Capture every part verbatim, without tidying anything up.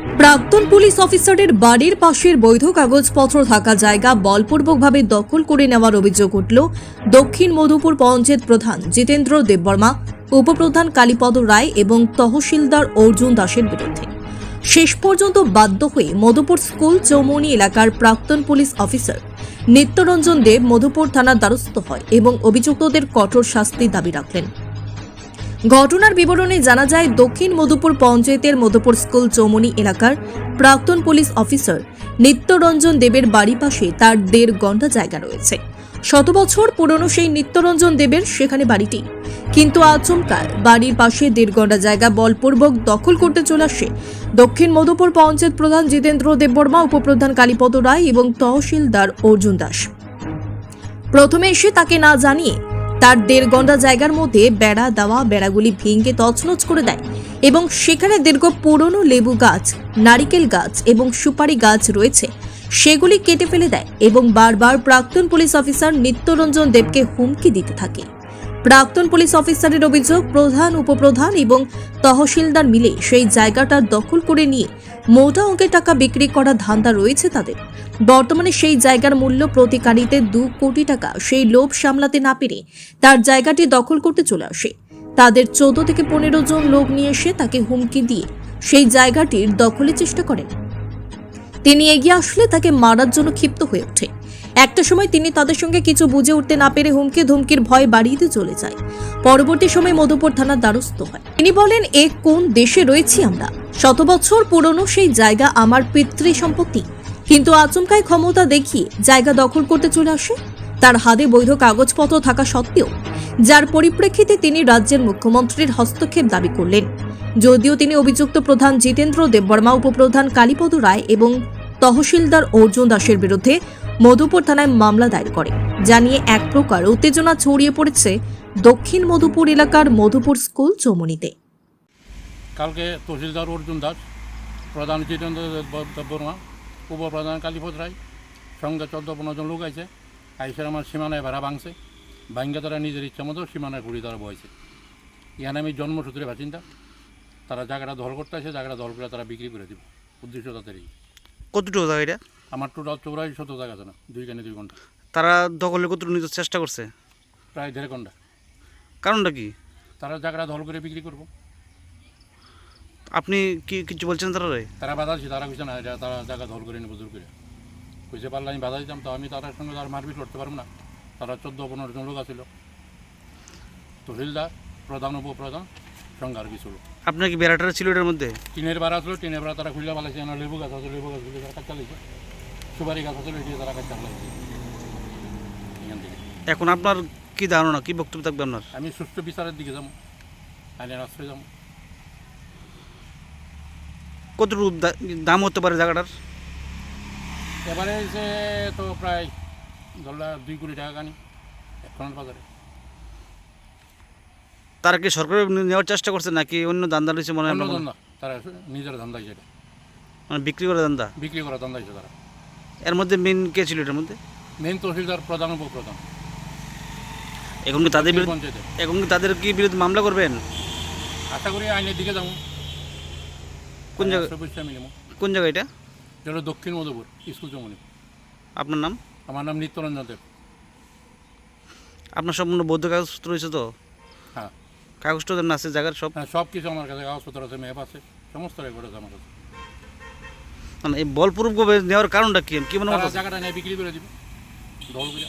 প্রাক্তন পুলিশ অফিসারের বাড়ির পাশের বৈধ কাগজপত্র থাকা জায়গা বলপূর্বকভাবে দখল করে নেওয়ার অভিযোগ উঠল দক্ষিণ মধুপুর পঞ্চায়েত প্রধান জিতেন্দ্র দেববর্মা, উপপ্রধান কালীপদ রায় এবং তহসিলদার অর্জুন দাসের বিরুদ্ধে। শেষ পর্যন্ত বাধ্য হয়ে মধুপুর স্কুল চৌমনি এলাকার প্রাক্তন পুলিশ অফিসার নিত্যরঞ্জন দেব মধুপুর থানার দ্বারস্থ হয় এবং অভিযুক্তদের কঠোর শাস্তি দাবি রাখলেন। ঘটনার বিবরণে জানা যায়, দক্ষিণ মধুপুর পঞ্চায়েতের মধুপুর স্কুল চৌমনি এলাকার প্রাক্তন পুলিশ অফিসার নিত্যরঞ্জন দেবের বাড়ি পাশে তার দেড় ঘন্টা জায়গা রয়েছে। শত বছর পুরনো সেই নিত্যরঞ্জন দেবের সেখানে বাড়িটি, কিন্তু আচমকা বাড়ির পাশে দেড় ঘন্টা জায়গা বলপূর্বক দখল করতে চলে আসে দক্ষিণ মধুপুর পঞ্চায়েত প্রধান জিতেন্দ্র দেববর্মা, উপপ্রধান কালীপদ রায় এবং তহসিলদার অর্জুন দাস। প্রথমে এসে তাকে না জানিয়ে তার দেড় ঘন্টা জায়গার মধ্যে বেড়া দেওয়া বেড়াগুলি ভেঙে তছনছ করে দেয় এবং সেখানে দীর্ঘ পুরনো লেবু গাছ, নারিকেল গাছ এবং সুপারি গাছ রয়েছে, সেগুলি কেটে ফেলে দেয় এবং বারবার প্রাক্তন পুলিশ অফিসার নিত্যরঞ্জন দেবকে হুমকি দিতে থাকে। প্রাক্তন পুলিশ অফিসারের অভিযোগ, প্রধান, উপপ্রধান এবং তহসিলদার মিলে সেই জায়গাটা দখল করে নিয়ে মোটা অঙ্কের টাকা বিক্রি করা ধান্দা রয়েছে তাদের। বর্তমানে সেই জায়গার মূল্য প্রতি কানিতে দু কোটি টাকা। সেই লোভ সামলাতে না পেরে তার জায়গাটি দখল করতে চলে আসে। তাদের চোদ্দ থেকে পনেরো জন লোক নিয়ে এসে তাকে হুমকি দিয়ে সেই জায়গাটির দখলের চেষ্টা করেন। তিনি এগিয়ে আসলে তাকে মারার জন্য ক্ষিপ্ত হয়ে ওঠে। একটা সময় তিনি তাদের সঙ্গে কিছু বুঝে উঠতে না পেরে হুমকি ধুমকির ভয় বাড়িয়ে চলে যায়। পরবর্তী সময় মধুপুর থানার দ্বারস্থ হয়। তিনি বলেন, এ কোন দেশে রয়েছি আমরা? শত বছর পুরনো সেই জায়গা আমার পিতৃ সম্পত্তি, কিন্তু আচমকায় ক্ষমতা দেখিয়ে জায়গা দখল করতে চলে আসে তার হাতে বৈধ কাগজপত্র থাকা সত্ত্বেও, যার পরিপ্রেক্ষিতে তিনি রাজ্যের মুখ্যমন্ত্রীর হস্তক্ষেপ দাবি করলেন। যদিও তিনি অভিযুক্ত প্রধান জিতেন্দ্র দেববর্মা, উপপ্রধান কালীপদ রায় এবং তহসিলদার অর্জুন দাসের বিরুদ্ধে মধুপুর থানায় মামলা দায়ের করে, জানিয়ে এক প্রকার উত্তেজনা ছড়িয়ে পড়েছে দক্ষিণ মধুপুর এলাকার মধুপুর স্কুল চৌমনিতে। কালকে তহসিলদার অর্জুন দাস, প্রধান জিতেন্দ্র দেববর্মা, উপপ্রধান কালীপদ রায় সঙ্গে চোদ্দ পনেরো জন লোক আছে, আইসের আমার সীমানায় ভাড়া ভাঙছে, ভাঙ্গে তারা নিজের ইচ্ছা মতো সীমানায় ঘুরি তারা বয়েছে। এখানে আমি জন্মসূত্রে বাসিন্দা, তারা জায়গাটা দখল করতে আসে, জায়গাটা দখল করে তারা বিক্রি করে দিব, উদ্দেশ্য তাদের এই। কতটুকু জায়গা এটা? আমার টোটাল চৌরাশি শত জায়গা আছে না, দুই কানে দুই ঘন্টা। তারা দখলে কতটুকু নিতে চেষ্টা করছে? প্রায় দেড় ঘন্টা। কারণটা কি? তারা জায়গাটা দখল করে বিক্রি করবো। আপনি কি কিছু বলছেন তারা? তারা বাধা দিচ্ছে, তারা কিছু না, তারা জায়গা দখল করে নেবো জোর করে। কইসে পারলে আমি বাধা দিতাম, তো আমি তার সঙ্গে তার মারপিট করতে পারবো না। তারা চোদ্দ পনেরো জন লোক আছিল, তহসিলদার, প্রধান, উপপ্রধান সঙ্গে আর কিছু লোক। আপনার কি বেড়াটা ছিল এটার মধ্যে? টিনের বেড়া আসলো, টিনের বেড়া তারা খুলে পালাইছে। আমার লেবু গাছ আছে, লেবু গাছ খুলে তারা কাজ চালাইছে। সুপারি গাছ আছে, এটি তারা কাজ চালাইছে এখান থেকে। এখন আপনার কি ধারণা, কি বক্তব্য থাকবে আপনার? আমি সুষ্ঠু বিচারের দিকে যাবো, আইনের আশ্রয় যাবো। কতটুকু দাম হতে পারে জায়গাটার? এবারে এসে তো প্রায় ধরলা দুই কোটি টাকা কানি এখনের বাজারে। তারা কি সরকার নেওয়ার চেষ্টা করছে নাকি অন্য ধান্দা রয়েছে মনে হয়? অন্য ধান্দা, তারা নিজের ধান্দা হিসেবে মানে বিক্রি করা ধান্দা, বিক্রি করা ধান্দা হিসেবে তারা। এর মধ্যে মেন কে ছিল এটার মধ্যে? মেন তহসিলদার, প্রধান, উপপ্রধান। এখন কি তাদের বিরুদ্ধে পঞ্চায়েতে এখন কি তাদের কি বিরুদ্ধে মামলা করবেন? আশা করি আইনের দিকে যাবো। কোন জায়গায়? কোন জায়গা এটা? যেটা দক্ষিণ মধুপুর স্কুল চৌমনি। আপনার নাম? আমার নাম নিত্যরঞ্জন দেব। আপনার সম্পূর্ণ বৌদ্ধ কাগজপত্র রয়েছে তো? হ্যাঁ, কাগজপত্র আছে জায়গার সব? হ্যাঁ, সব কিছু আমার কাছে, কাগজপত্র আছে, ম্যাপ আছে, সমস্ত রেকর্ড আছে আমার কাছে। মানে এই বলপূর্বক নেওয়ার কারণটা কি কি মনে হয়? জায়গাটা নিয়ে বিক্রি করে দিব দল করে।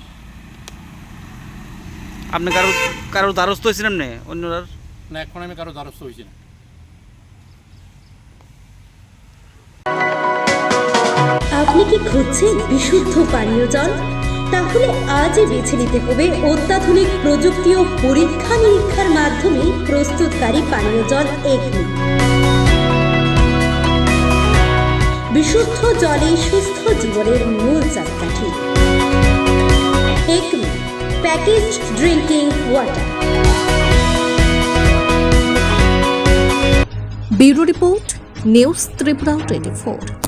আপনি কারো কারো দ্বারস্থ হয়েছিলেন না অন্যরার? না, এখন আমি কারো দ্বারস্থ হয়েছি না। আপনি কি খুঁজছেন বিশুদ্ধ পানীয় জল? তাহলে আজই বেছে নিতে হবে অত্যাধুনিক প্রযুক্তি ও পরীক্ষা নিরীক্ষার মাধ্যমে প্রস্তুতকারী পানীয় জল একমি। বিশুদ্ধ জলে সুস্থ জীবনের মূল চাকাঠি। Acme packaged drinking water. Bureau report, news Tripura twenty four.